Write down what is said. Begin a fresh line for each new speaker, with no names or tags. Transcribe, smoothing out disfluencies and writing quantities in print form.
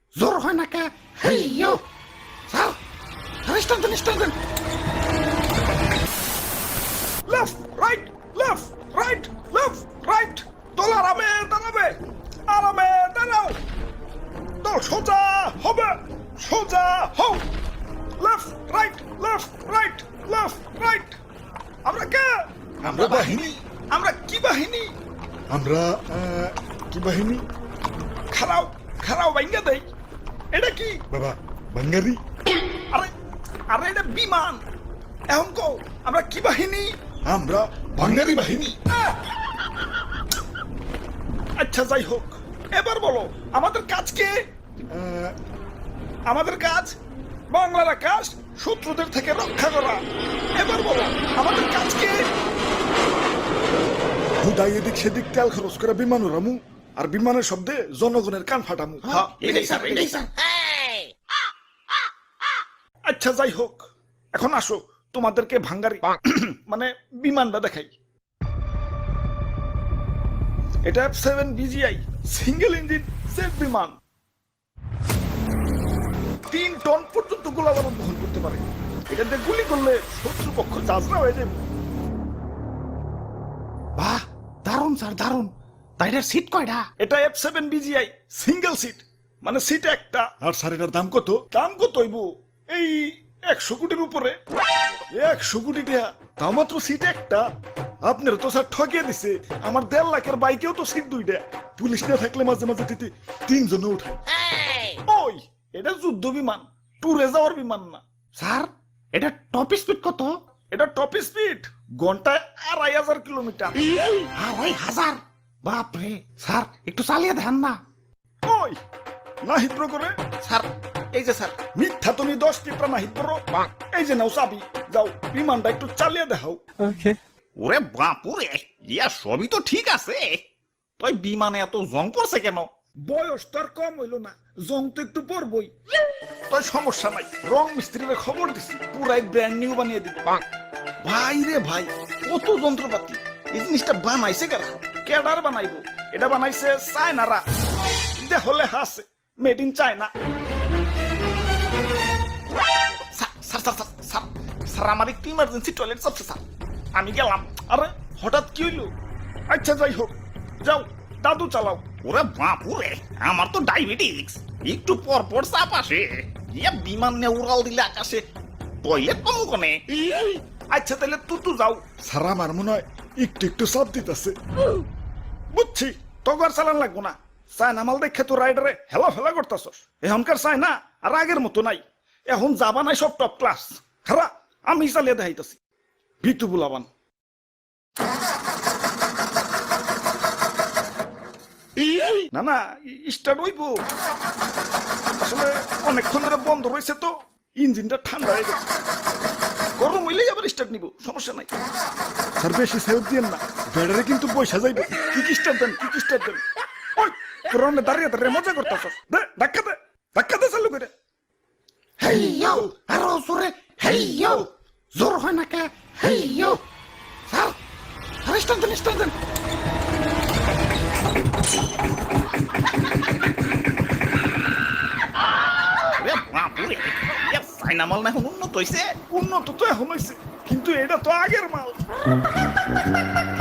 জোর হয় না কে? হেই ইউ স্যার, স্টান দেন, স্টান দেন। Left right, left right, left right. দল আরামে দাঁড়াবে, আরামে দাঁড়াও। দল সোজা হবে, সোজা হও। Left right, left right, left right. আমরা কে?
আমরা বাহিনী।
আমরা কি বাহিনী?
আমরা কি বাহিনী?
খারাও খারাও ভাঙ্গা দেই। এটা কি?
বাবা বাঙ্গারি।
আরে আরে এটা বিমান। এখন কও আমরা কি বাহিনী?
আমরা বাঙ্গারি বাহিনী।
আচ্ছা যাই হোক, এবার বলো আমাদের কাজ কি? আমাদের কাজ বাংলার আকাশ শত্রুদের থেকে রক্ষা করা। এবার বলো আমাদের কাজ কি?
হুদাই এদিক সেদিক তেল খরচ করে বিমান উড়ামু, আর বিমানের শব্দে জনগণের কান ফাটামু।
এটাই স্যার, এটাই স্যার। আচ্ছা যাই হোক, এখন আসো তোমাদেরকে ভাঙ্গারি মানে বিমানটা দেখাই। এটা F7 BGI single engine jet বিমান। 3 টন পর্যন্ত গোলাবারুদ বহন করতে পারে। এটাতে গুলি করলে শত্রুপক্ষ যাজরা হয়ে যাবে। বাহ, দারুণ স্যার, দারুণ। তাই এটার সিট কয়টা? এটা F7 BGI সিঙ্গেল সিট, মানে সিট একটা।
আর স্যার এটার দাম কত?
দাম কত হইব? এই 100 কোটির উপরে।
100 কোটি টাকা, তাও মাত্র সিট একটা। আপনারা তো স্যার ঠকিয়ে দিছে। আমার 1.5 লাখের বাইকেও তো সিট 2টা। পুলিশ না থাকলে মাঝে মাঝে দিতে 3 জনে উঠে।
ওই এটা যুদ্ধ বিমান, ট্যুরে যাওয়ার বিমান না। স্যার এটা টপ স্পিড কত? এটা টপ স্পিড ঘন্টায় 2500 কিলোমিটার। 2500? বাপরে স্যার, একটু চালিয়ে দেন না। ওই না হিদ্র করে। স্যার এই যে স্যার, মিথ্যা তুমি 10 টিপটা না হিদ্র। এই যে নাও চাবি, যাও বিমানটা একটু চালিয়ে দেখাও।
ওরে বাপুরে, ইয়া সবই তো ঠিক আছে, তুই বিমানে এত জং পড়ছে কেন?
বয়স তো আর কম হইল না, জং তো একটু পড়বই। তাই সমস্যা নাই, রং মিস্ত্রির খবর দিছি, পুরাই ব্র্যান্ড নিউ বানিয়ে দিবে। ভাই রে ভাই, কত যন্ত্রপাতি! এই জিনিসটা বানাইছে কারা? কেডার বানাইবো? এটা বানাইছে চায়নারা। দেখলে হাসে made in China. Sir sir sir sir, sir sir আমার একটু ইমার্জেন্সি টয়লেট চাপছে স্যার, আমি গেলাম। আরে হঠাৎ কি হইলো? আচ্ছা যাই হোক, যাও দাদু চালাও।
ওরে বাপুরে, আমার তো ডায়াবেটিস, একটু পর পর চাপ আসে। ইয়া বিমান নিয়ে উড়াল দিলে আকাশে, টয়লেট পাবো কোনে?
আচ্ছা তাহলে তুতু যাও।
স্যার আমার মনে হয় একটু একটু চাপ দিতেছে।
বুঝছি, তগর চালান লাগবো না। চায়না মাল দেখে তো রাইডারে হেলা ফেলা করতেছস। এখনকার চায়না আর আগের মতো নাই, এখন যাবা নাই সব টপ ক্লাস। খারা আমি চালিয়ে দেখাইতেছি, ভিতু বুলাবান। না না, স্টার্ট হইব। আসলে অনেকক্ষণ ধরে বন্ধ রয়েছে তো, ইঞ্জিনটা ঠান্ডা হয়ে গেছে। গরম হইলেই আবার স্টার্ট নিব, সমস্যা নাই।
স্যার বেশি সেভ দিয়েন না, ব্যাটারি কিন্তু পয়সা যাইবে।
কি স্টার্ট দেন, কি স্টার্ট দেন। ওই পুরনে দাঁড়িয়ে দাঁড়িয়ে মজা করতেছস। দে ধাক্কা দে, ধাক্কা দে চালু করে। হেই ইউ, আরো জোরে। হেই ইউ, জোর হয় না কে? হেই ইউ স্যার, স্টার্ট দেন, স্টার্ট দেন।
ওরে বাপুরে, ইয়া চাইনা মাল না এখন উন্নত হইছে।
উন্নত তো এখন হয়েছে, কিন্তু এটা তো আগের মাল।